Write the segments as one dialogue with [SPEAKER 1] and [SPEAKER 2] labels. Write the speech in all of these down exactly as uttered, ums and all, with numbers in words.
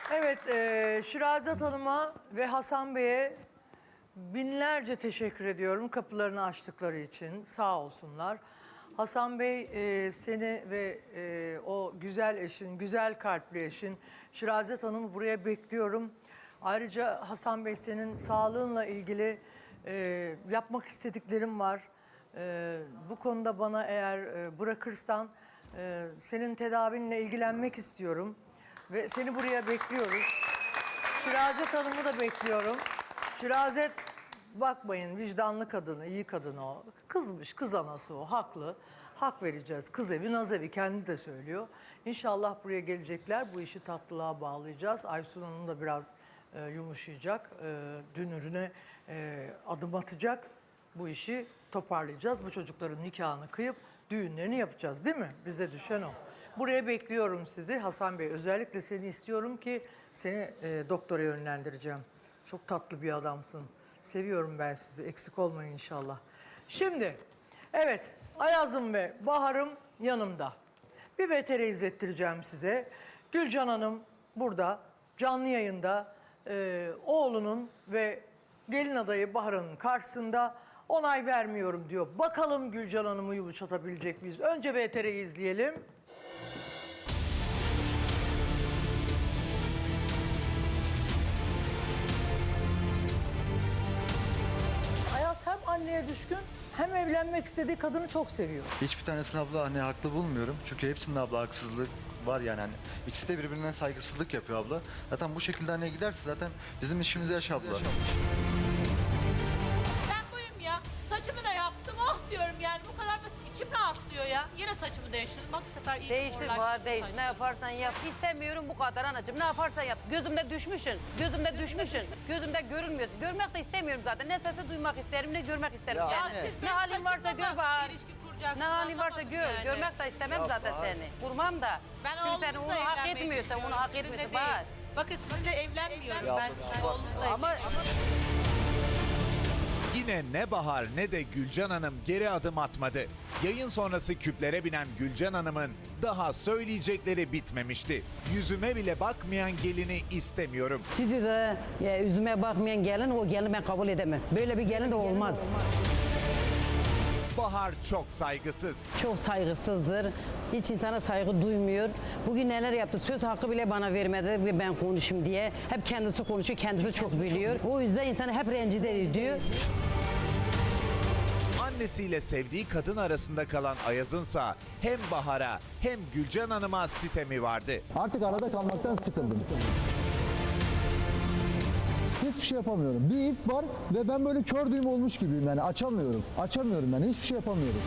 [SPEAKER 1] Evet, e, Şirazat Hanım'a ve Hasan Bey'e binlerce teşekkür ediyorum kapılarını açtıkları için. Sağ olsunlar. Hasan Bey, e, seni ve e, o güzel eşin, güzel kalpli eşin Şirazat Hanım'ı buraya bekliyorum. Ayrıca Hasan Bey, senin sağlığınla ilgili e, yapmak istediklerim var. E, bu konuda bana eğer e, bırakırsan e, senin tedavinle ilgilenmek istiyorum. Ve seni buraya bekliyoruz. Şirazet Hanım'ı da bekliyorum. Şirazet, bakmayın, vicdanlı kadını, iyi kadın o. Kızmış, kız anası o, haklı. Hak vereceğiz. Kız evi, naz evi, kendi de söylüyor. İnşallah buraya gelecekler. Bu işi tatlılığa bağlayacağız. Aysun Hanım da biraz e, yumuşayacak. E, dünürüne e, adım atacak. Bu işi toparlayacağız. Bu çocukların nikahını kıyıp düğünlerini yapacağız, değil mi? Bize düşen o. Buraya bekliyorum sizi Hasan Bey. Özellikle seni istiyorum ki seni e, doktora yönlendireceğim. Çok tatlı bir adamsın. Seviyorum ben sizi. Eksik olmayın inşallah. Şimdi, evet, Ayaz'ım ve Bahar'ım yanımda. Bir V T R izlettireceğim size. Gülcan Hanım burada, canlı yayında e, oğlunun ve gelin adayı Bahar'ın karşısında onay vermiyorum diyor. Bakalım Gülcan Hanım'ı yumuşatabilecek miyiz? Önce V T R'yi izleyelim. Ayaz hem anneye düşkün hem evlenmek istediği kadını çok seviyor.
[SPEAKER 2] Hiçbir tanesini abla anne haklı bulmuyorum. Çünkü hepsinde abla haksızlık var yani. Hani ikisi de birbirine saygısızlık yapıyor abla. Zaten bu şekilde anneye giderse zaten bizim işimizi yaş abla.
[SPEAKER 3] Ben buyum ya. Saçımı da yaptım. Oh diyorum yani. Bu kadar basit. İçim rahatlıyor ya. Yine saçımı değiştirdim. Bak bu sefer iyi.
[SPEAKER 4] Değiştir Bahar, değiştir. Ne yaparsan yap. İstemiyorum bu kadar anacığım. Ne yaparsan yap. Gözümde düşmüşsün. Gözümde düşmüşsün. Gözümde görünmüyorsun. Görmek de istemiyorum zaten. Ne sesi duymak isterim, ne görmek isterim
[SPEAKER 2] Ya,
[SPEAKER 4] seni.
[SPEAKER 2] evet.
[SPEAKER 4] Ne halin varsa gör Bahar. Ne halin varsa gör.
[SPEAKER 3] Yani.
[SPEAKER 4] Görmek de istemem
[SPEAKER 2] Ya
[SPEAKER 4] zaten
[SPEAKER 2] Bahar.
[SPEAKER 4] seni. Kurmam da.
[SPEAKER 3] Ben
[SPEAKER 4] Çünkü sen
[SPEAKER 3] oğlumuzla
[SPEAKER 4] onu hak
[SPEAKER 3] evlenmeyi
[SPEAKER 4] etmiyorsun. Onu
[SPEAKER 3] düşünüyorum.
[SPEAKER 4] hak
[SPEAKER 3] Sizinle
[SPEAKER 4] etmiyorsun
[SPEAKER 3] değil.
[SPEAKER 4] Bahar.
[SPEAKER 3] Bakın sizinle evlenmiyorum
[SPEAKER 2] Ya
[SPEAKER 3] ben.
[SPEAKER 2] Bahar.
[SPEAKER 3] Ben oğlumuzla
[SPEAKER 4] Ama,
[SPEAKER 3] evleniyorum.
[SPEAKER 4] ama
[SPEAKER 5] Yine ne Bahar ne de Gülcan Hanım geri adım atmadı. Yayın sonrası küplere binen Gülcan Hanım'ın daha söyleyecekleri bitmemişti. Yüzüme bile bakmayan gelini istemiyorum.
[SPEAKER 4] stüdyoda ya, yüzüme bakmayan gelin, o gelini ben kabul edemem. Böyle bir gelin de olmaz.
[SPEAKER 5] Bahar çok saygısız.
[SPEAKER 4] Çok saygısızdır. Hiç insana saygı duymuyor. Bugün neler yaptı? Söz hakkı bile bana vermedi ben konuşayım diye. Hep kendisi konuşuyor, kendisi çok biliyor. O yüzden insanı hep rencide ediyor.
[SPEAKER 5] Annesiyle sevdiği kadın arasında kalan Ayaz'ınsa hem Bahar'a hem Gülcan Hanım'a sitemi vardı.
[SPEAKER 6] Artık arada kalmaktan sıkıldım. Hiçbir şey yapamıyorum. Bir ip var ve ben böyle kör düğüm olmuş gibiyim yani açamıyorum. Açamıyorum yani hiçbir şey yapamıyorum.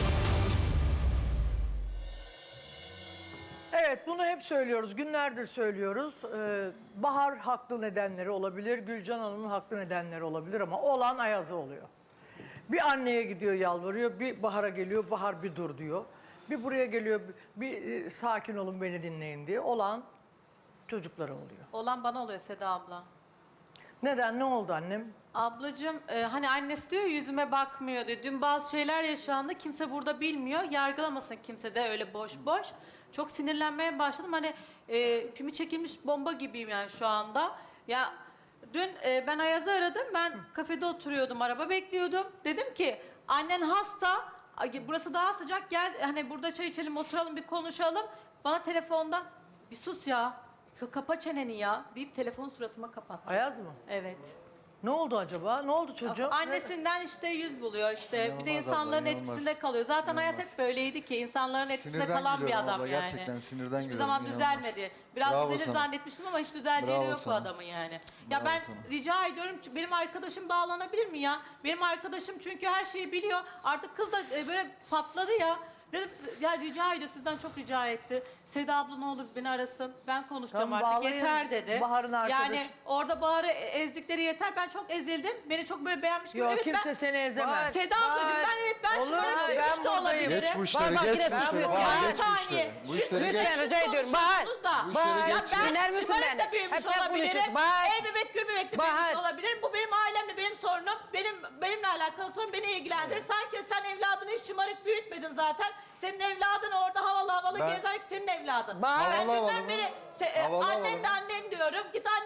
[SPEAKER 1] Evet, bunu hep söylüyoruz, günlerdir söylüyoruz. Ee, Bahar haklı nedenleri olabilir, Gülcan Hanım'ın haklı nedenleri olabilir ama olan Ayaz'a oluyor. Bir anneye gidiyor yalvarıyor, bir Bahar'a geliyor, Bahar bir dur diyor. Bir buraya geliyor, bir e, sakin olun beni dinleyin diye. Olan çocuklara oluyor.
[SPEAKER 3] Olan bana oluyor Seda abla.
[SPEAKER 1] Neden, ne oldu annem?
[SPEAKER 3] Ablacığım e, hani annesi diyor yüzüme bakmıyor diyor. Dün bazı şeyler yaşandı. Kimse burada bilmiyor. Yargılamasın kimse de öyle boş boş. Çok sinirlenmeye başladım. Hani e, pimi çekilmiş bomba gibiyim yani şu anda. Ya dün e, ben Ayaz'ı aradım. Ben kafede oturuyordum. Araba bekliyordum. Dedim ki annen hasta. Ay, burası daha sıcak. Gel hani burada çay içelim oturalım bir konuşalım. Bana telefonda bir sus ya. Kapa çeneni ya deyip telefonu suratıma kapattı.
[SPEAKER 1] Ayaz mı?
[SPEAKER 3] Evet.
[SPEAKER 1] Ne oldu acaba? Ne oldu çocuğum?
[SPEAKER 3] Annesinden işte yüz buluyor işte. Bir de
[SPEAKER 2] İnanılmaz
[SPEAKER 3] insanların
[SPEAKER 2] abla, inanılmaz.
[SPEAKER 3] etkisinde kalıyor. Zaten Ayas
[SPEAKER 2] İnanılmaz.
[SPEAKER 3] hep böyleydi ki insanların etkisinde
[SPEAKER 2] Sinirden
[SPEAKER 3] kalan bir
[SPEAKER 2] gülüyorum
[SPEAKER 3] adam
[SPEAKER 2] abla,
[SPEAKER 3] yani.
[SPEAKER 2] gerçekten sinirden
[SPEAKER 3] Hiçbir
[SPEAKER 2] gülüyorum,
[SPEAKER 3] zaman
[SPEAKER 2] inanılmaz.
[SPEAKER 3] düzelmedi. Biraz
[SPEAKER 2] Bravo
[SPEAKER 3] düzelir
[SPEAKER 2] sana.
[SPEAKER 3] zannetmiştim ama hiç düzeleceği de
[SPEAKER 2] Bravo
[SPEAKER 3] yok o
[SPEAKER 2] sana.
[SPEAKER 3] adamın yani. Ya
[SPEAKER 2] Bravo
[SPEAKER 3] ben
[SPEAKER 2] sana.
[SPEAKER 3] rica ediyorum ki benim arkadaşım bağlanabilir mi ya? Benim arkadaşım çünkü her şeyi biliyor. Artık kız da e, böyle patladı ya. Dedim ya rica ediyor sizden çok rica etti. Seda abla ne olur beni arasın. Ben konuşacağım
[SPEAKER 1] Tamam,
[SPEAKER 3] artık
[SPEAKER 1] bağlayın.
[SPEAKER 3] yeter dedi.
[SPEAKER 1] Bahar'ın arkadaşı.
[SPEAKER 3] Yani orada Bahar'ı ezdikleri yeter. Ben çok ezildim. Beni çok böyle beğenmiş gibi.
[SPEAKER 1] Yok,
[SPEAKER 3] Evet,
[SPEAKER 1] kimse
[SPEAKER 3] ben-
[SPEAKER 1] seni ezemez.
[SPEAKER 3] Seda ablacığım ben evet ben
[SPEAKER 1] Olur,
[SPEAKER 3] şımarık
[SPEAKER 1] ben
[SPEAKER 3] büyümüş de
[SPEAKER 1] buradayım.
[SPEAKER 3] olabilirim.
[SPEAKER 2] Geç bu işleri,
[SPEAKER 4] Bak,
[SPEAKER 2] geç
[SPEAKER 4] yine
[SPEAKER 2] bu işleri.
[SPEAKER 4] susuyorsun.
[SPEAKER 2] Bahar,
[SPEAKER 3] Bir
[SPEAKER 2] geç bu
[SPEAKER 3] saniye.
[SPEAKER 2] işleri. Bu işleri geç.
[SPEAKER 4] Lütfen rica ediyorum Bahar.
[SPEAKER 3] Da.
[SPEAKER 2] Bu işleri
[SPEAKER 4] Bahar,
[SPEAKER 2] geç.
[SPEAKER 3] Ben
[SPEAKER 4] dinler misin
[SPEAKER 3] şımarık
[SPEAKER 4] beni?
[SPEAKER 3] da büyümüş
[SPEAKER 4] Hep sen
[SPEAKER 3] olabilirim.
[SPEAKER 4] konuşuyorsun. Bahar.
[SPEAKER 3] Ey bebek gül bebek de
[SPEAKER 4] Bahar.
[SPEAKER 3] büyümüş olabilirim. Bu benim ailemle benim sorunum. Benim benimle alakalı sorun beni ilgilendirir. Sanki sen evladını hiç şımarık büyütmedin zaten. Senin evladın orada havalı havalı
[SPEAKER 2] Ben-
[SPEAKER 3] gezer ki senin evladın.
[SPEAKER 4] Bahar.
[SPEAKER 3] Ben
[SPEAKER 2] Havalı havalı
[SPEAKER 3] dünden
[SPEAKER 2] mı?
[SPEAKER 3] beri se- e,
[SPEAKER 2] Havalı
[SPEAKER 3] annen
[SPEAKER 2] havalı
[SPEAKER 3] de annen diyorum. Git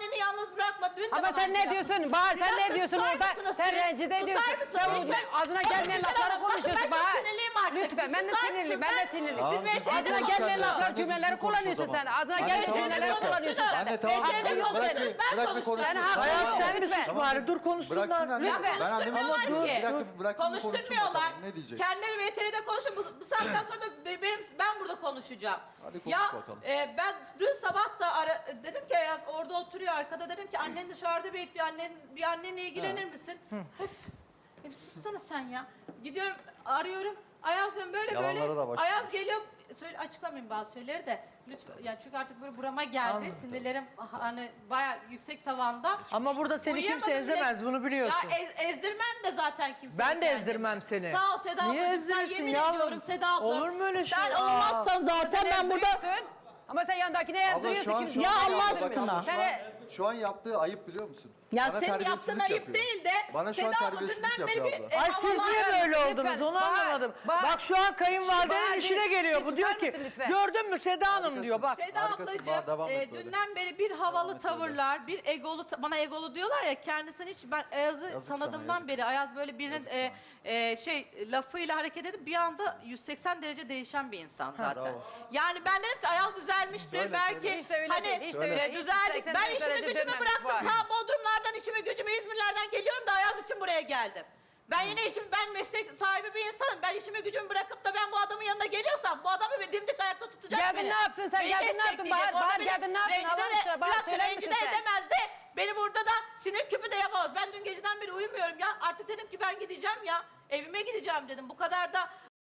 [SPEAKER 7] bakma. Dün de
[SPEAKER 4] Ama
[SPEAKER 7] bana
[SPEAKER 4] sen ne
[SPEAKER 7] aynı
[SPEAKER 4] diyorsun?
[SPEAKER 7] yaptın.
[SPEAKER 4] Bahar
[SPEAKER 7] Bir
[SPEAKER 4] sen
[SPEAKER 7] dakika,
[SPEAKER 4] ne diyorsun
[SPEAKER 7] susar
[SPEAKER 4] orada?
[SPEAKER 7] mısınız
[SPEAKER 4] Sen
[SPEAKER 7] siz?
[SPEAKER 4] rencide
[SPEAKER 7] Susar
[SPEAKER 4] ediyorsun.
[SPEAKER 7] mısınız?
[SPEAKER 4] Sen
[SPEAKER 7] Lütfen.
[SPEAKER 4] ağzına
[SPEAKER 7] Bakın
[SPEAKER 4] gelmeyen
[SPEAKER 7] Gülcan
[SPEAKER 4] lafları
[SPEAKER 7] Hanım, bakın
[SPEAKER 4] konuşuyorsun
[SPEAKER 7] ben çok
[SPEAKER 4] Bahar.
[SPEAKER 7] sinirliyim artık.
[SPEAKER 4] Lütfen ben de
[SPEAKER 7] Susar
[SPEAKER 4] sinirliyim.
[SPEAKER 7] mısınız?
[SPEAKER 4] Ben de sinirliyim.
[SPEAKER 2] Tamam,
[SPEAKER 7] Siz
[SPEAKER 2] tamam,
[SPEAKER 4] Ağzına
[SPEAKER 7] beni
[SPEAKER 4] gelmeyen
[SPEAKER 2] sen de
[SPEAKER 4] laflar
[SPEAKER 2] düzgün
[SPEAKER 4] cümleleri
[SPEAKER 2] konuş o
[SPEAKER 4] kullanıyorsun
[SPEAKER 2] zaman.
[SPEAKER 4] sen. Ağzına
[SPEAKER 2] Anne,
[SPEAKER 4] gelmeyen
[SPEAKER 2] tamam,
[SPEAKER 4] cümleleri
[SPEAKER 2] bir dakika.
[SPEAKER 4] kullanıyorsun sen.
[SPEAKER 2] Anne tamam.
[SPEAKER 7] Beni
[SPEAKER 2] Bırak,
[SPEAKER 7] yol
[SPEAKER 2] bırak,
[SPEAKER 7] verin,
[SPEAKER 2] bir-
[SPEAKER 7] ben
[SPEAKER 2] bırak bir
[SPEAKER 7] konuşacağım.
[SPEAKER 2] konuşsun.
[SPEAKER 4] Sen
[SPEAKER 1] Ayaz
[SPEAKER 4] Tamam,
[SPEAKER 1] sen mi
[SPEAKER 4] lütfen.
[SPEAKER 1] sus bari? Dur konuşsunlar.
[SPEAKER 2] Bıraksın anne.
[SPEAKER 4] Lütfen.
[SPEAKER 2] Ben annemi
[SPEAKER 7] Konuşturmuyorlar
[SPEAKER 2] konuşsun.
[SPEAKER 7] ki.
[SPEAKER 2] Bir dakika bıraksın konuşsun
[SPEAKER 7] Konuşturmuyorlar.
[SPEAKER 2] bakalım. Ne diyecek?
[SPEAKER 7] Kendileri veteride konuşun. Bu, bu saatten sonra da be- benim, ben burada konuşacağım.
[SPEAKER 2] Hadi konuş
[SPEAKER 7] ya
[SPEAKER 2] bakalım.
[SPEAKER 7] e, ben dün sabah da ara, dedim ki Ayaz orada oturuyor arkada, dedim ki annen dışarıda bekliyor. Annen, bir annenle ilgilenir misin? Öf. Ya bir sussana sen ya. Gidiyorum arıyorum. Ayaz diyorum böyle
[SPEAKER 2] Yalanlara
[SPEAKER 7] böyle.
[SPEAKER 2] da başlamış.
[SPEAKER 7] Ayaz geliyor. Söyle, açıklamayayım bazı şeyleri de. Lütfen. Yani çünkü artık böyle burama geldi.
[SPEAKER 1] Anladım.
[SPEAKER 7] Sinirlerim hani bayağı yüksek tavanda.
[SPEAKER 1] Ama burada seni kimse
[SPEAKER 7] Uyuyamadım bile.
[SPEAKER 1] ezemez, bunu biliyorsun.
[SPEAKER 7] Ya ez- ezdirmem de zaten kimseyi.
[SPEAKER 1] Ben de
[SPEAKER 7] kendimi.
[SPEAKER 1] ezdirmem seni.
[SPEAKER 7] Sağ ol Seda
[SPEAKER 1] Niye
[SPEAKER 7] ablacığım. Sen
[SPEAKER 1] ezdirirsin
[SPEAKER 7] yemin
[SPEAKER 1] yavrum?
[SPEAKER 7] ediyorum Seda abla.
[SPEAKER 1] Olur mu öyle şey?
[SPEAKER 7] Sen
[SPEAKER 1] Aa.
[SPEAKER 7] olmazsan zaten ben burada...
[SPEAKER 4] Ezdiriyorsun. Ama sen yandakine
[SPEAKER 2] Abla
[SPEAKER 4] ezdiriyorsun.
[SPEAKER 2] şu an
[SPEAKER 4] kimse-
[SPEAKER 2] şu
[SPEAKER 7] Ya
[SPEAKER 2] an-
[SPEAKER 7] Allah
[SPEAKER 2] Bak
[SPEAKER 7] aşkına.
[SPEAKER 2] abla, şu an-
[SPEAKER 4] Sen-
[SPEAKER 2] Şu an yaptığı ayıp biliyor musun?
[SPEAKER 7] Ya
[SPEAKER 2] Bana
[SPEAKER 7] senin
[SPEAKER 2] terbiyesizlik
[SPEAKER 7] yaptığın ayıp
[SPEAKER 2] yapıyor.
[SPEAKER 7] değil de
[SPEAKER 2] Bana şu an
[SPEAKER 7] Seda abla
[SPEAKER 2] terbiyesizlik
[SPEAKER 7] dünden beri
[SPEAKER 2] yapıyor
[SPEAKER 7] bir...
[SPEAKER 2] abla.
[SPEAKER 1] Ay siz niye böyle
[SPEAKER 4] Lütfen,
[SPEAKER 1] oldunuz onu
[SPEAKER 4] Bahar,
[SPEAKER 1] anlamadım.
[SPEAKER 4] Bahar.
[SPEAKER 1] Bak şu an kayınvalidenin
[SPEAKER 4] Bahar,
[SPEAKER 1] işine
[SPEAKER 4] bir-
[SPEAKER 1] geliyor.
[SPEAKER 4] bir
[SPEAKER 1] Bu diyor
[SPEAKER 4] susar
[SPEAKER 1] ki
[SPEAKER 4] mısın lütfen?
[SPEAKER 1] gördün mü Seda Hanım diyor bak.
[SPEAKER 7] Seda
[SPEAKER 2] Harikasın,
[SPEAKER 7] ablacığım
[SPEAKER 2] Bahar, devam et
[SPEAKER 7] e,
[SPEAKER 2] böyle.
[SPEAKER 7] dünden beri bir havalı tavırlar, bir egolu, ta- bana egolu diyorlar ya, kendisini hiç ben Ayaz'ı
[SPEAKER 2] Yazık sana,
[SPEAKER 7] tanıdığımdan
[SPEAKER 2] yazık.
[SPEAKER 7] beri Ayaz böyle birinin e, e, şey lafıyla hareket edip bir anda yüz seksen derece değişen bir insan zaten.
[SPEAKER 2] bravo.
[SPEAKER 7] Yani ben dedim ki Ayaz düzelmiştir
[SPEAKER 2] Söyle,
[SPEAKER 7] belki
[SPEAKER 2] söyle.
[SPEAKER 4] Hiç de öyle
[SPEAKER 7] hani
[SPEAKER 4] değil, hiç de
[SPEAKER 2] Söyle.
[SPEAKER 4] öyle
[SPEAKER 7] e,
[SPEAKER 4] değil.
[SPEAKER 7] düzeldik.
[SPEAKER 4] seksen
[SPEAKER 7] Ben
[SPEAKER 4] derece
[SPEAKER 7] işimi gücümü
[SPEAKER 4] dönmemiş
[SPEAKER 7] bıraktım.
[SPEAKER 4] var.
[SPEAKER 7] Ta Bodrumlardan işimi gücümü İzmirlerden geliyorum da Ayaz için buraya geldim. Ben yine işim, ben meslek sahibi bir insanım. Ben işimi gücümü bırakıp da ben bu adamın yanına geliyorsam bu adamı bir dimdik ayakta tutacak
[SPEAKER 4] Geldin,
[SPEAKER 7] beni.
[SPEAKER 4] ne yaptın sen?
[SPEAKER 7] Beni
[SPEAKER 4] Geldin, ne yaptın?
[SPEAKER 7] destekleyecek.
[SPEAKER 4] Bahar,
[SPEAKER 7] Orada
[SPEAKER 4] Bahar,
[SPEAKER 7] beni
[SPEAKER 4] geldin, ne yaptın?
[SPEAKER 7] rencide
[SPEAKER 4] Allah
[SPEAKER 7] de-
[SPEAKER 4] aşkına, Bahar,
[SPEAKER 7] bir dakika,
[SPEAKER 4] söyler
[SPEAKER 7] rencide
[SPEAKER 4] misin sen?
[SPEAKER 7] edemez de beni burada da sinir küpü de yapamaz. Ben dün geceden beri uyumuyorum ya. Artık dedim ki ben gideceğim ya. Evime gideceğim dedim. Bu kadar da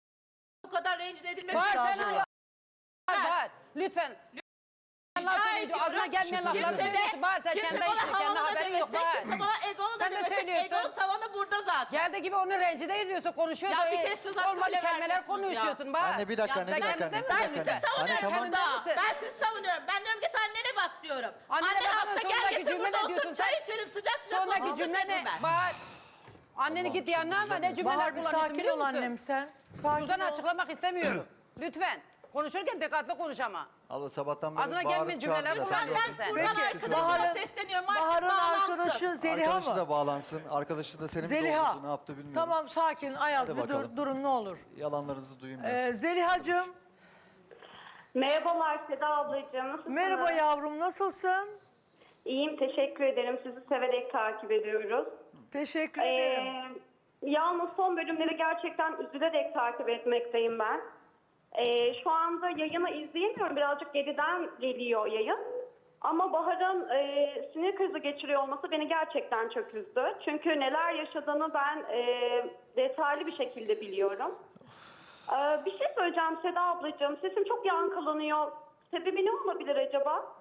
[SPEAKER 7] bu kadar rencide edilmek
[SPEAKER 4] Bahar sen
[SPEAKER 1] Estağfurullah.
[SPEAKER 4] Bahar, Bahar, lütfen. Laf söyleyince ağzına gelmeyen lafları
[SPEAKER 7] Kimse de,
[SPEAKER 4] söylüyorsun. Bahar sen
[SPEAKER 7] kimse
[SPEAKER 4] kendi
[SPEAKER 7] bana
[SPEAKER 4] işin, kendi
[SPEAKER 7] havalı da
[SPEAKER 4] haberin yok
[SPEAKER 7] demesin,
[SPEAKER 4] Bahar.
[SPEAKER 7] kimse bana egolu da
[SPEAKER 4] Sen de
[SPEAKER 7] demesin.
[SPEAKER 4] söylüyorsun.
[SPEAKER 7] Egonun tavanı burada zaten.
[SPEAKER 4] Geldiği gibi onu rencide ediyorsun, konuşuyor
[SPEAKER 7] Ya
[SPEAKER 4] da
[SPEAKER 7] bir
[SPEAKER 4] e,
[SPEAKER 7] kez söz hakkı
[SPEAKER 4] olmadı
[SPEAKER 7] bile
[SPEAKER 4] kelimeler
[SPEAKER 7] vermiyorsunuz ya.
[SPEAKER 4] konuşuyorsun Bahar.
[SPEAKER 2] Anne bir dakika,
[SPEAKER 7] Ya
[SPEAKER 2] anne
[SPEAKER 7] sen
[SPEAKER 2] bir dakika,
[SPEAKER 4] kendinde
[SPEAKER 2] anne bir
[SPEAKER 4] misin?
[SPEAKER 2] dakika.
[SPEAKER 7] Ben
[SPEAKER 2] anne.
[SPEAKER 7] sizi
[SPEAKER 2] Anne
[SPEAKER 7] savunuyorum
[SPEAKER 2] tamam.
[SPEAKER 4] Kendinde
[SPEAKER 7] burada.
[SPEAKER 4] misin?
[SPEAKER 7] Ben sizi savunuyorum. Ben diyorum git annene bak diyorum.
[SPEAKER 4] Annene
[SPEAKER 7] Anne
[SPEAKER 4] bakma,
[SPEAKER 7] hasta, gel
[SPEAKER 4] sondaki
[SPEAKER 7] getir
[SPEAKER 4] cümle
[SPEAKER 7] burada
[SPEAKER 4] ne
[SPEAKER 7] otur
[SPEAKER 4] diyorsun
[SPEAKER 7] çay
[SPEAKER 4] sen?
[SPEAKER 7] içelim sıcak sıcak.
[SPEAKER 4] Sondaki
[SPEAKER 7] muhabbet
[SPEAKER 4] cümle
[SPEAKER 7] edelim
[SPEAKER 4] ne?
[SPEAKER 7] ben.
[SPEAKER 4] Bahar. Anneni git yanına ama ne cümleler
[SPEAKER 1] Bahar bir
[SPEAKER 4] kullanıyorsun
[SPEAKER 1] sakin
[SPEAKER 4] biliyor
[SPEAKER 1] ol
[SPEAKER 4] musun?
[SPEAKER 1] annem sen. Sakin
[SPEAKER 4] Buradan
[SPEAKER 1] ol.
[SPEAKER 4] açıklamak istemiyorum. Lütfen. Konuşurken dikkatli konuş ama.
[SPEAKER 2] Abla sabahtan beri
[SPEAKER 4] Ağzına
[SPEAKER 2] bağırıp
[SPEAKER 4] gelmeyen cümleler
[SPEAKER 2] çağırdı.
[SPEAKER 4] kullan.
[SPEAKER 2] Sen
[SPEAKER 7] Ben,
[SPEAKER 2] gördün.
[SPEAKER 7] ben
[SPEAKER 4] Peki,
[SPEAKER 7] buradan arkadaşıma
[SPEAKER 1] Bahar'ın-
[SPEAKER 7] sesleniyorum. Artık
[SPEAKER 1] Bahar'ın
[SPEAKER 7] bağlansın.
[SPEAKER 1] arkadaşı Zeliha
[SPEAKER 2] Arkadaşı
[SPEAKER 1] mı?
[SPEAKER 2] da bağlansın. Arkadaşı da senin
[SPEAKER 1] Zeliha.
[SPEAKER 2] doğrultuda ne yaptı bilmiyorum.
[SPEAKER 1] Tamam sakin Ayaz
[SPEAKER 2] Hadi
[SPEAKER 1] bir dur,
[SPEAKER 2] bakalım.
[SPEAKER 1] durun ne olur.
[SPEAKER 2] Yalanlarınızı duyayım ben.
[SPEAKER 1] Ee, Zeliha'cığım
[SPEAKER 8] Merhabalar Seda ablacığım. Nasılsınız?
[SPEAKER 1] merhaba yavrum nasılsın?
[SPEAKER 8] İyiyim, teşekkür ederim. Sizi severek takip ediyoruz.
[SPEAKER 1] Teşekkür
[SPEAKER 8] Ee,
[SPEAKER 1] ederim.
[SPEAKER 8] yalnız son bölümleri gerçekten üzülerek takip etmekteyim ben. Ee, şu anda yayını izleyemiyorum. Birazcık geriden geliyor yayın. Ama Bahar'ın e, sinir krizi geçiriyor olması beni gerçekten çok üzdü. Çünkü neler yaşadığını ben e, detaylı bir şekilde biliyorum. Ee, bir şey söyleyeceğim Seda ablacığım. Sesim çok yankılanıyor. Sebebi ne olabilir acaba?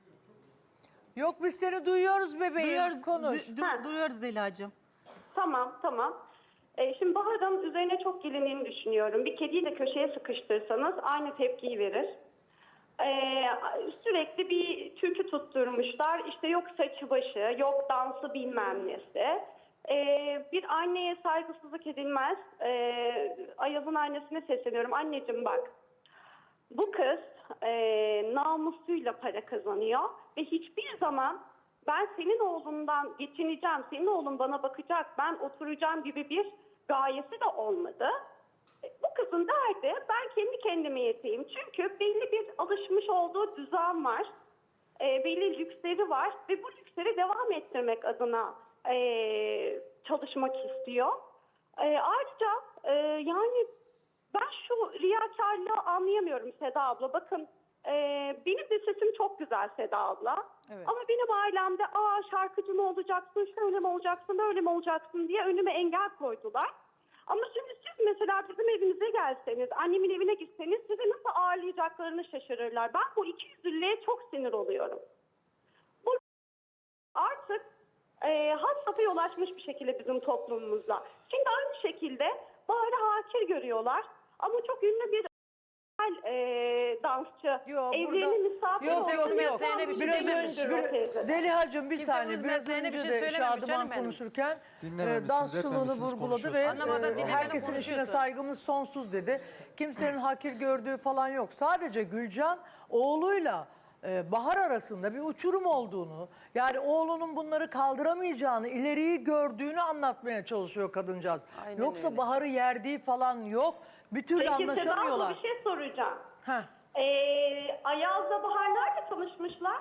[SPEAKER 1] Yok biz seni duyuyoruz bebeğim.
[SPEAKER 7] Duyuyoruz,
[SPEAKER 1] Konuş.
[SPEAKER 7] du- du- duyuyoruz Zeliha'cığım.
[SPEAKER 8] Tamam, tamam. Ee, şimdi Bahar'ın üzerine çok gelindiğini düşünüyorum. Bir kediyi de köşeye sıkıştırsanız aynı tepkiyi verir. Ee, sürekli bir türkü tutturmuşlar. İşte yok saçı başı, yok dansı bilmem nesi. Ee, bir anneye saygısızlık edilmez. Ee, Ayaz'ın annesine sesleniyorum. Anneciğim bak, bu kız e, namusuyla para kazanıyor ve hiçbir zaman ben senin oğlundan geçineceğim, senin oğlun bana bakacak, ben oturacağım gibi bir gayesi de olmadı. E, Bu kızın derdi ben kendi kendime yeteyim. Çünkü belli bir alışmış olduğu düzen var, e, belli lüksleri var ve bu lüksleri devam ettirmek adına e, çalışmak istiyor. E, ayrıca e, yani ben şu riyakarlığı anlayamıyorum Seda abla. Bakın e, benim de sesim çok güzel Seda abla.
[SPEAKER 1] Evet.
[SPEAKER 8] Ama benim ailemde aa şarkıcı mı olacaksın, şöyle mi olacaksın, böyle mi olacaksın diye önüme engel koydular. Ama şimdi siz mesela bizim evimize gelseniz, annemin evine gitseniz sizi nasıl ağırlayacaklarını şaşırırlar. Ben bu ikiyüzlülüğe çok sinir oluyorum. Bu artık e, had safhaya ulaşmış bir şekilde bizim toplumumuzda. Şimdi aynı şekilde Bahar'ı hakir görüyorlar. Ama çok ünlü bir e, dansçı.
[SPEAKER 1] Yok,
[SPEAKER 8] Evlerine
[SPEAKER 1] burada-
[SPEAKER 8] misafir
[SPEAKER 1] Yok
[SPEAKER 8] olsun
[SPEAKER 1] yok
[SPEAKER 8] diye
[SPEAKER 1] yok.
[SPEAKER 4] mesleğine bir şey
[SPEAKER 1] Biraz
[SPEAKER 4] dememiş.
[SPEAKER 1] önce,
[SPEAKER 8] döndürüyor
[SPEAKER 1] bir-
[SPEAKER 8] teyze.
[SPEAKER 1] Zeliha'cığım bir
[SPEAKER 4] Kimse
[SPEAKER 1] saniye.
[SPEAKER 4] bunun
[SPEAKER 1] Biraz
[SPEAKER 4] mesleğine
[SPEAKER 1] önce
[SPEAKER 4] bir şey
[SPEAKER 1] de
[SPEAKER 4] söylememiş
[SPEAKER 1] Şadıman
[SPEAKER 4] canım benim.
[SPEAKER 1] konuşurken
[SPEAKER 2] Dinlememişsiniz,
[SPEAKER 1] e, dansçılığını
[SPEAKER 2] etmemişsiniz,
[SPEAKER 1] vurguladı ve
[SPEAKER 2] konuşuyorsunuz.
[SPEAKER 4] Anlamadan
[SPEAKER 1] e,
[SPEAKER 4] dinlemeden
[SPEAKER 1] herkesin işine
[SPEAKER 4] konuşuyorsun.
[SPEAKER 1] saygımız sonsuz dedi. Kimsenin hakir gördüğü falan yok. Sadece Gülcan oğluyla e, Bahar arasında bir uçurum olduğunu, yani oğlunun bunları kaldıramayacağını, ileriyi gördüğünü anlatmaya çalışıyor kadıncağız.
[SPEAKER 4] Aynen
[SPEAKER 1] Yoksa
[SPEAKER 4] öyle.
[SPEAKER 1] Bahar'ı yerdiği falan yok. Bir türlü
[SPEAKER 8] Peki Seda abla
[SPEAKER 1] anlaşamıyorlar.
[SPEAKER 8] bir şey soracağım.
[SPEAKER 1] Heh.
[SPEAKER 8] Ee, Ayaz'la Bahar nerede tanışmışlar?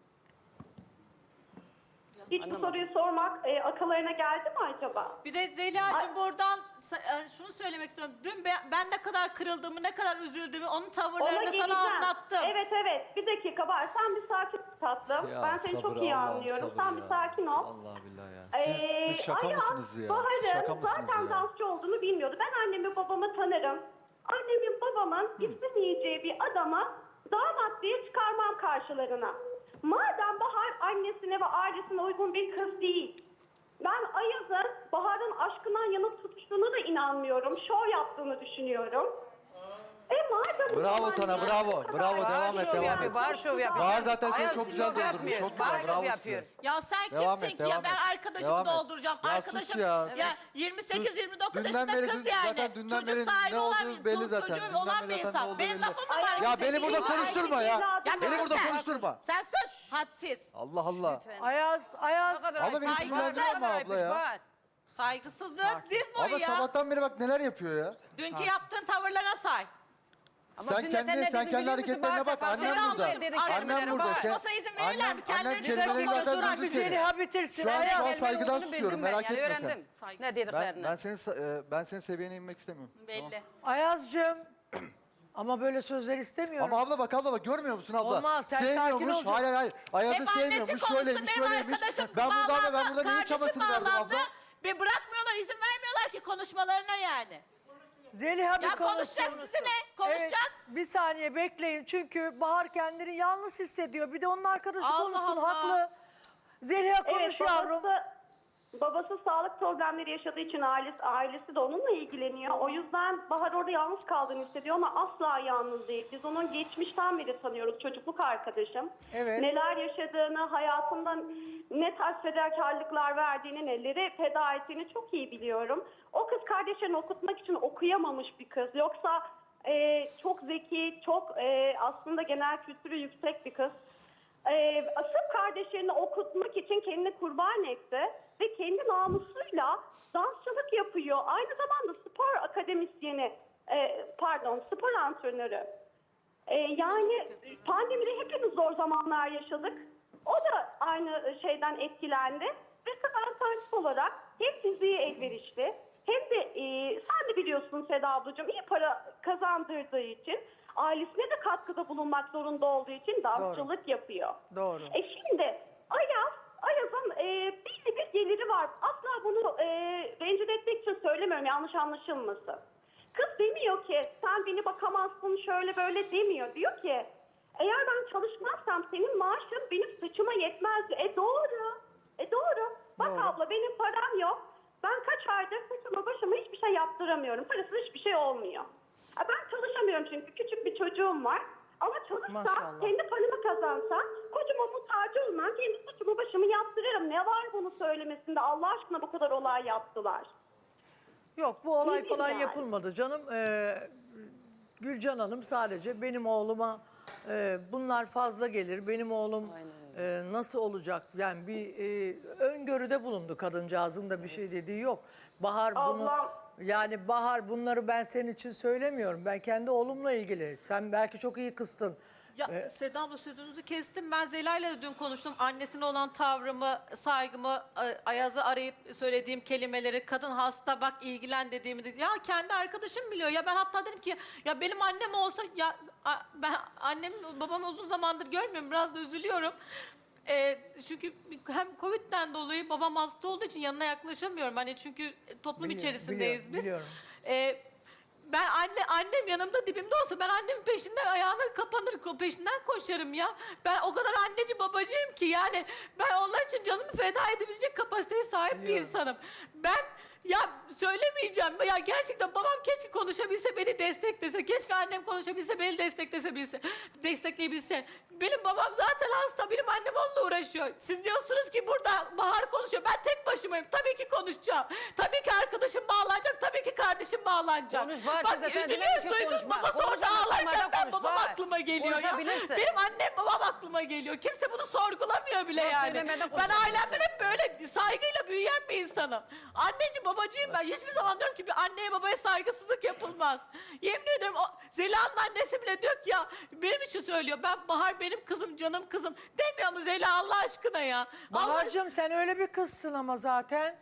[SPEAKER 8] Hiç bu soruyu sormak e, akıllarına geldi mi acaba?
[SPEAKER 7] Bir de Zeliha'cığım buradan sa- e, şunu söylemek istiyorum. Dün ben, ben ne kadar kırıldığımı, ne kadar üzüldüğümü, onun
[SPEAKER 8] Ona
[SPEAKER 7] tavırlarını
[SPEAKER 8] geleceğim.
[SPEAKER 7] sana anlattım.
[SPEAKER 8] Evet evet bir dakika var. Sen bir sakin ol tatlım.
[SPEAKER 2] Ya
[SPEAKER 8] ben seni
[SPEAKER 2] sabır,
[SPEAKER 8] çok iyi
[SPEAKER 2] Allah'ım
[SPEAKER 8] anlıyorum.
[SPEAKER 2] sabır
[SPEAKER 8] Sen
[SPEAKER 2] ya.
[SPEAKER 8] bir sakin ol.
[SPEAKER 2] Allah billahi ya. Siz,
[SPEAKER 8] Ee,
[SPEAKER 2] siz şaka
[SPEAKER 8] Ayaz,
[SPEAKER 2] mısınız ya? Siz
[SPEAKER 8] Bahar'ın
[SPEAKER 2] şaka mısınız
[SPEAKER 8] zaten
[SPEAKER 2] ya?
[SPEAKER 8] dansçı olduğunu bilmiyordu. Ben annemi babamı tanırım. Annemin babamın istemeyeceği bir adama damat diye çıkarmam karşılarına. Madem Bahar annesine ve ailesine uygun bir kız değil. Ben Ayaz'ın Bahar'ın aşkından yanıp tutuştuğuna da inanmıyorum. Şov yaptığını düşünüyorum. E madem
[SPEAKER 2] Bravo
[SPEAKER 8] o
[SPEAKER 2] sana,
[SPEAKER 8] zaman-
[SPEAKER 2] bravo. Bravo, devam et,
[SPEAKER 4] şov
[SPEAKER 2] devam
[SPEAKER 4] yapıyor,
[SPEAKER 2] et.
[SPEAKER 4] Bahar şov yapıyor.
[SPEAKER 2] Bahar zaten seni
[SPEAKER 4] Ayaz
[SPEAKER 2] çok güzel
[SPEAKER 4] şov
[SPEAKER 2] doldurmuş.
[SPEAKER 4] yapmıyor.
[SPEAKER 2] Çok
[SPEAKER 4] Bahar
[SPEAKER 2] güzel,
[SPEAKER 4] şov
[SPEAKER 2] bravo
[SPEAKER 4] yapıyor.
[SPEAKER 2] size.
[SPEAKER 7] Ya sen
[SPEAKER 2] Devam
[SPEAKER 7] kimsin
[SPEAKER 2] et,
[SPEAKER 7] ki ya?
[SPEAKER 2] devam
[SPEAKER 7] Ben
[SPEAKER 2] et.
[SPEAKER 7] arkadaşımı
[SPEAKER 2] Devam et.
[SPEAKER 7] dolduracağım.
[SPEAKER 2] Ya sus
[SPEAKER 7] Arkadaşım
[SPEAKER 2] ya.
[SPEAKER 7] ya, yirmi sekiz yirmi dokuz
[SPEAKER 2] Dünden
[SPEAKER 7] yaşında
[SPEAKER 2] beri-
[SPEAKER 7] kız
[SPEAKER 2] dün-
[SPEAKER 7] yani.
[SPEAKER 2] zaten dünden
[SPEAKER 7] Çocuk
[SPEAKER 2] beri
[SPEAKER 7] sahibi
[SPEAKER 2] ne
[SPEAKER 7] olan
[SPEAKER 2] olduğu
[SPEAKER 7] bir-
[SPEAKER 2] belli zaten.
[SPEAKER 7] çocuğu
[SPEAKER 2] Dünden
[SPEAKER 7] olan
[SPEAKER 2] beri
[SPEAKER 7] bir
[SPEAKER 2] zaten ne
[SPEAKER 7] insan.
[SPEAKER 2] olduğu
[SPEAKER 7] Benim
[SPEAKER 2] belli.
[SPEAKER 7] lafım mı
[SPEAKER 8] Ay,
[SPEAKER 7] var?
[SPEAKER 2] Ya beni
[SPEAKER 7] Kimse
[SPEAKER 2] burada
[SPEAKER 7] değil.
[SPEAKER 2] konuşturma ya.
[SPEAKER 8] Ya
[SPEAKER 7] Ya
[SPEAKER 2] Beni
[SPEAKER 7] bir
[SPEAKER 2] burada
[SPEAKER 7] sus sen.
[SPEAKER 2] konuşturma.
[SPEAKER 7] Sen sus. Hadsiz.
[SPEAKER 2] Allah Allah.
[SPEAKER 1] Ayaz, Ayaz.
[SPEAKER 2] Abla beni
[SPEAKER 7] Saygı-
[SPEAKER 2] sinirlendirme ama abla ya.
[SPEAKER 7] Saygısızlık diz boyu
[SPEAKER 2] Abla
[SPEAKER 7] ya.
[SPEAKER 2] sabahtan beri bak neler yapıyor ya.
[SPEAKER 7] Dünkü yaptığın tavırlara say.
[SPEAKER 2] Sen kendi sen kendi hareketlerine bak. Annem
[SPEAKER 7] Seda
[SPEAKER 2] burada.
[SPEAKER 7] ablacığım,
[SPEAKER 2] Annem
[SPEAKER 7] arkadaşım
[SPEAKER 2] burada. Sen,
[SPEAKER 7] konuşmasa izin verirler
[SPEAKER 2] annem,
[SPEAKER 7] mi?
[SPEAKER 2] annem
[SPEAKER 7] Kendileri
[SPEAKER 2] kelimeleri
[SPEAKER 7] konuşurlar.
[SPEAKER 2] zaten
[SPEAKER 1] Bir
[SPEAKER 2] duydu seni.
[SPEAKER 1] Zeliha bitirsin.
[SPEAKER 2] Şu an,
[SPEAKER 1] Ayaz.
[SPEAKER 2] şu an saygıdan susuyorum. Merak etme sen.
[SPEAKER 4] öğrendim. Ne
[SPEAKER 2] Ben,
[SPEAKER 4] dediklerini.
[SPEAKER 2] ben senin sa- e, ben senin seviyene inmek istemiyorum.
[SPEAKER 7] Belli.
[SPEAKER 1] Ayaz'cığım. Ama böyle sözler istemiyorum.
[SPEAKER 2] Ama abla bak abla bak görmüyor musun abla?
[SPEAKER 1] Olmaz, sen sakin
[SPEAKER 2] Sevmiyormuş.
[SPEAKER 1] olacaksın.
[SPEAKER 2] Hayır hayır. Ayaz'ı
[SPEAKER 7] Hep annesi
[SPEAKER 2] sevmiyormuş.
[SPEAKER 7] konuşsun,
[SPEAKER 2] Şöyleymiş
[SPEAKER 7] benim
[SPEAKER 2] şöyleymiş.
[SPEAKER 7] arkadaşım
[SPEAKER 2] Ben burada
[SPEAKER 7] bağlandı,
[SPEAKER 2] ben burada neyin
[SPEAKER 7] kardeşim
[SPEAKER 2] çabasını verdim
[SPEAKER 7] bağlandı.
[SPEAKER 2] abla?
[SPEAKER 7] Ve bırakmıyorlar, izin vermiyorlar ki konuşmalarına yani.
[SPEAKER 1] Zeliha bir
[SPEAKER 7] Ya
[SPEAKER 1] konuşsun.
[SPEAKER 7] konuşacak sizi ne? Konuşacak.
[SPEAKER 1] Evet, bir saniye bekleyin çünkü Bahar kendini yalnız hissediyor. Bir de onun arkadaşı
[SPEAKER 7] Allah
[SPEAKER 1] konuşsun
[SPEAKER 7] Allah.
[SPEAKER 1] haklı. Zeliha konuş
[SPEAKER 8] Evet,
[SPEAKER 1] yavrum.
[SPEAKER 8] babası, babası sağlık problemleri yaşadığı için ailesi, ailesi de onunla ilgileniyor. O yüzden Bahar orada yalnız kaldığını hissediyor ama asla yalnız değil. Biz onun geçmişten beri tanıyoruz, çocukluk arkadaşım.
[SPEAKER 1] Evet.
[SPEAKER 8] Neler yaşadığını, hayatından ne tarz fedakarlıklar verdiğini, neleri feda ettiğini çok iyi biliyorum. O kız kardeşlerini okutmak için okuyamamış bir kız. Yoksa e, çok zeki, çok e, aslında genel kültürü yüksek bir kız. Ee, sırf kardeşlerini okutmak için kendini kurban etti ve kendi namusuyla dansçılık yapıyor. Aynı zamanda spor akademisyeni, e, pardon spor antrenörü. Ee, yani pandemide hepimiz zor zamanlar yaşadık. O da aynı şeyden etkilendi ve kız alternatif olarak hem fiziği elverişli hem de e, sen de biliyorsun Seda ablacığım iyi para kazandırdığı için ailesine de katkıda bulunmak zorunda olduğu için dansçılık yapıyor.
[SPEAKER 1] Doğru.
[SPEAKER 8] E şimdi Ayaz, Ayaz'ın e, belli bir geliri var. Asla bunu e, rencide etmek için söylemiyorum, yanlış anlaşılmasın. Kız demiyor ki sen beni bakamazsın şöyle böyle demiyor. Diyor ki eğer ben çalışmazsam senin maaşın benim saçıma yetmez. E doğru. E doğru. Bak
[SPEAKER 1] Doğru.
[SPEAKER 8] abla benim param yok. Ben kaç aydır saçıma başıma hiçbir şey yaptıramıyorum. Parasız hiçbir şey olmuyor. E ben çalışamıyorum çünkü küçük bir çocuğum var. Ama çalışsam,
[SPEAKER 1] Maşallah.
[SPEAKER 8] kendi paramı kazansam, kocama muhtaç olmam, kendi saçımı başımı yaptırırım. Ne var bunu söylemesinde? Allah aşkına bu kadar olay yaptılar.
[SPEAKER 1] Yok bu olay
[SPEAKER 8] Ne
[SPEAKER 1] falan
[SPEAKER 8] diyeyim yani?
[SPEAKER 1] yapılmadı canım. Ee, Gülcan Hanım sadece benim oğluma e, bunlar fazla gelir. Benim oğlum e, nasıl olacak? Yani bir e, öngörüde bulundu kadıncağızın da bir şey dediği yok. Bahar bunu
[SPEAKER 8] Allah.
[SPEAKER 1] yani Bahar bunları ben senin için söylemiyorum. Ben kendi oğlumla ilgili. Sen belki çok iyi kıstın.
[SPEAKER 7] Ya
[SPEAKER 1] Ee,
[SPEAKER 7] Seda abla sözünüzü kestim. Ben Zela'yla da dün konuştum. Annesine olan tavrımı, saygımı, A- Ayaz'ı arayıp söylediğim kelimeleri, kadın hasta bak ilgilen dediğimi dedi. Ya kendi arkadaşım biliyor. Ya ben hatta dedim ki ya benim annem olsa ya a- ben annem babamı uzun zamandır görmüyorum. Biraz da üzülüyorum. Ee, çünkü hem Covid'den dolayı babam hasta olduğu için yanına yaklaşamıyorum. Hani çünkü toplum
[SPEAKER 1] Biliyorum,
[SPEAKER 7] içerisindeyiz
[SPEAKER 1] biliyorum,
[SPEAKER 7] biz.
[SPEAKER 1] biliyorum.
[SPEAKER 7] Ee, ben anne annem yanımda dibimde olsa ben annemin peşinden ayağına kapanır ko- peşinden koşarım ya. Ben o kadar anneci babacıyım ki yani ben onlar için canımı feda edebilecek kapasiteye sahip bir insanım. Ben Ya söylemeyeceğim. Ya gerçekten babam keşke konuşabilse, beni desteklese. Keşke annem konuşabilse, beni desteklese bilse, destekleyebilse. Benim babam zaten hasta. Benim annem onunla uğraşıyor. Siz diyorsunuz ki burada Bahar konuşuyor. Ben tek başımayım. Tabii ki konuşacağım. Tabii ki arkadaşım bağlanacak. Tabii ki kardeşim bağlanacak.
[SPEAKER 4] Konuş Bahar
[SPEAKER 7] Bak
[SPEAKER 4] teyze, sen
[SPEAKER 7] üzülüyor,
[SPEAKER 4] demek ki
[SPEAKER 7] duygusuz
[SPEAKER 4] konuşma.
[SPEAKER 7] babası orada
[SPEAKER 4] Konuşamazsın,
[SPEAKER 7] ağlarken
[SPEAKER 4] madem
[SPEAKER 7] ben
[SPEAKER 4] konuş,
[SPEAKER 7] babam
[SPEAKER 4] Bahar.
[SPEAKER 7] aklıma geliyor ya.
[SPEAKER 4] Konuşabilirsin.
[SPEAKER 7] Benim annem babam aklıma geliyor. Kimse bunu sorgulamıyor bile
[SPEAKER 4] Yok,
[SPEAKER 7] yani.
[SPEAKER 4] söylemeden
[SPEAKER 7] Ben
[SPEAKER 4] konuşabilirsin.
[SPEAKER 7] ailemden hep böyle saygıyla büyüyen bir insanım. Anneciğim babacığım ben. Hiçbir zaman diyorum ki bir anneye babaya saygısızlık yapılmaz. Yemin ediyorum o Zeliha'nın annesi bile diyor ki ya benim için söylüyor. Ben Bahar benim kızım, canım kızım. Demiyor mu Zeliha Allah aşkına ya? Allah
[SPEAKER 1] Bahar'cığım sen öyle bir kızsın ama zaten.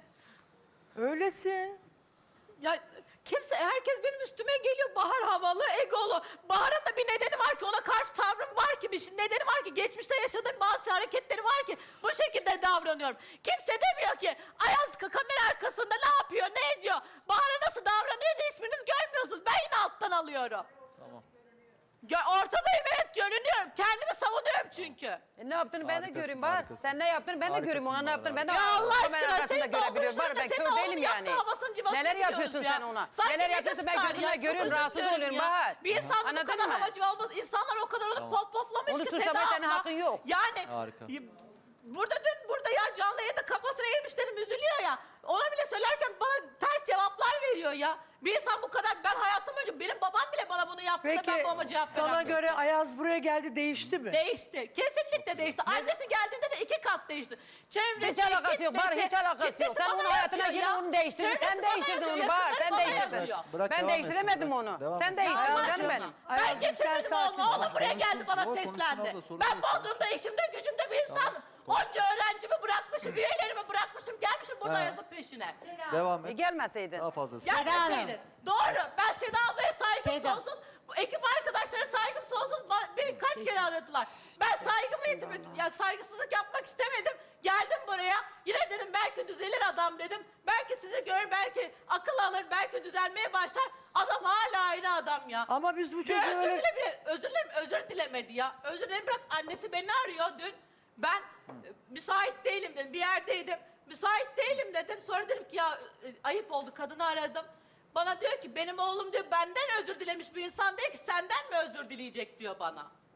[SPEAKER 1] Öylesin.
[SPEAKER 7] Ya kimse, herkes benim üstüme geliyor. Bahar havalı, egolu. Bahar'ın da bir nedeni var ki, ona karşı tavrım var ki, bir şey- nedeni var ki, geçmişte yaşadığım bazı hareketleri var ki bu şekilde davranıyorum. Kimse demiyor ki Ayaz ka- kamera arkasında ne yapıyor, ne ediyor? Bahar'a nasıl davranıyor da isminiz görmüyorsunuz. Ben yine alttan alıyorum.
[SPEAKER 2] Tamam.
[SPEAKER 7] Gö- ortadayım, evet, görünüyorum. Kendimi savunuyorum çünkü.
[SPEAKER 4] E ne yaptığını ben de
[SPEAKER 2] Harikasın,
[SPEAKER 4] göreyim Bahar.
[SPEAKER 2] harikasın.
[SPEAKER 4] Sen ne yaptığını ben de
[SPEAKER 2] Harikasın
[SPEAKER 4] göreyim. Ona ne
[SPEAKER 2] Bahar
[SPEAKER 4] yaptığını ben de
[SPEAKER 7] Ya Allah
[SPEAKER 4] kamera
[SPEAKER 7] aşkına,
[SPEAKER 4] arkasında
[SPEAKER 7] senin
[SPEAKER 4] görebiliyorum. Bahar
[SPEAKER 7] oğlun
[SPEAKER 4] ben
[SPEAKER 7] şurada,
[SPEAKER 4] kör
[SPEAKER 7] senin
[SPEAKER 4] değilim
[SPEAKER 7] oğlun
[SPEAKER 4] yani.
[SPEAKER 7] yaptı, havasını cıvasını
[SPEAKER 4] Neler
[SPEAKER 7] biliyoruz
[SPEAKER 4] yapıyorsun
[SPEAKER 7] ya.
[SPEAKER 4] sen ona?
[SPEAKER 7] Sanki
[SPEAKER 4] Neler
[SPEAKER 7] bir
[SPEAKER 4] yapıyorsun ben
[SPEAKER 7] kıskan
[SPEAKER 4] gözümle
[SPEAKER 7] ya,
[SPEAKER 4] görüyorum.
[SPEAKER 7] çok
[SPEAKER 4] Rahatsız
[SPEAKER 7] özür dilerim
[SPEAKER 4] oluyorum
[SPEAKER 7] ya.
[SPEAKER 4] Bahar.
[SPEAKER 7] Bir insan bu
[SPEAKER 4] Anladın
[SPEAKER 7] kadar
[SPEAKER 4] mı?
[SPEAKER 7] havacı olmaz. İnsanlar o kadar onu pop poplamış
[SPEAKER 4] Onu
[SPEAKER 7] ki
[SPEAKER 4] suçlamaya
[SPEAKER 7] Seda
[SPEAKER 4] senin
[SPEAKER 7] abla.
[SPEAKER 4] hakkın yok.
[SPEAKER 7] Yani
[SPEAKER 2] Harika.
[SPEAKER 7] y- burada dün burada ya canlı yayında kafasına eğilmiş dedim, üzülüyor ya. Ona bile söylerken bana ters cevaplar veriyor ya. Bir insan bu kadar, ben hayatım boyunca benim babam bile bana bunu yaptı da
[SPEAKER 1] Peki
[SPEAKER 7] ben babama cevap
[SPEAKER 1] sana
[SPEAKER 7] veremiyorum.
[SPEAKER 1] göre Ayaz buraya geldi değişti mi?
[SPEAKER 7] Değişti. Kesinlikle değişti. Annesi geldiğinde de iki kat değişti. Çevresi,
[SPEAKER 4] Hiç alakası yok Bahar,
[SPEAKER 7] kitlesi-
[SPEAKER 4] hiç alakası yok.
[SPEAKER 7] kitlesi
[SPEAKER 4] Sen
[SPEAKER 7] bana
[SPEAKER 4] onun hayatına
[SPEAKER 7] yapıyor
[SPEAKER 4] girin,
[SPEAKER 7] ya.
[SPEAKER 4] onu değiştirdin.
[SPEAKER 7] Çevresi
[SPEAKER 4] Sen
[SPEAKER 7] bana
[SPEAKER 4] değiştirdin
[SPEAKER 7] yazıyor,
[SPEAKER 4] onu Bahar,
[SPEAKER 7] yakınları
[SPEAKER 4] sen
[SPEAKER 7] bana
[SPEAKER 4] değiştirdin.
[SPEAKER 7] yazıyor.
[SPEAKER 2] Bırak
[SPEAKER 4] Ben
[SPEAKER 2] devam
[SPEAKER 4] değiştiremedim
[SPEAKER 2] etsin,
[SPEAKER 4] onu.
[SPEAKER 2] devam
[SPEAKER 4] Sen
[SPEAKER 2] etsin.
[SPEAKER 4] değiştirdin
[SPEAKER 1] Ayaz'cığım,
[SPEAKER 4] canım benim.
[SPEAKER 7] Ben
[SPEAKER 1] Ayaz'cığım, sen
[SPEAKER 7] getirmedim
[SPEAKER 1] sakin
[SPEAKER 7] oğlum.
[SPEAKER 1] ol.
[SPEAKER 7] Oğlum buraya geldi bana
[SPEAKER 2] Konuşsun,
[SPEAKER 7] seslendi.
[SPEAKER 2] abla, sorun
[SPEAKER 7] Ben
[SPEAKER 2] yok.
[SPEAKER 7] Bodrum'da işimde gücümde bir insanım. Onca öğrencimi bırakmışım, üyelerimi bırakmışım. Gelmişim burada
[SPEAKER 2] Ha.
[SPEAKER 7] yazıp peşine.
[SPEAKER 2] Devam
[SPEAKER 4] E
[SPEAKER 2] et.
[SPEAKER 4] gelmeseydin.
[SPEAKER 2] Daha fazlası.
[SPEAKER 7] Gelmeseydin. Doğru. Ben Seda ablaya saygım
[SPEAKER 9] Seda.
[SPEAKER 7] sonsuz. Bu ekip arkadaşlara saygım sonsuz. Ba- Beni kaç kere aradılar. Ben saygımı yitirdim. Ya saygısızlık yapmak istemedim. Geldim buraya. Yine dedim belki düzelir adam dedim. Belki sizi görür, belki akıl alır, belki düzelmeye başlar. Adam hala aynı adam ya.
[SPEAKER 1] Ama biz bu
[SPEAKER 7] Bir
[SPEAKER 1] çocuğu
[SPEAKER 7] özür
[SPEAKER 1] öyle...
[SPEAKER 7] dile, özür dilerim, özür dilemedi ya. Özür dilerim, bırak annesi beni arıyor dün. Ben e, müsait değilim dedim, bir yerdeydim. Müsait değilim dedim. Sonra dedim ki ya e, ayıp oldu, kadını aradım. Bana diyor ki benim oğlum diyor benden özür dilemiş bir insan değil ki senden mi özür dileyecek diyor bana.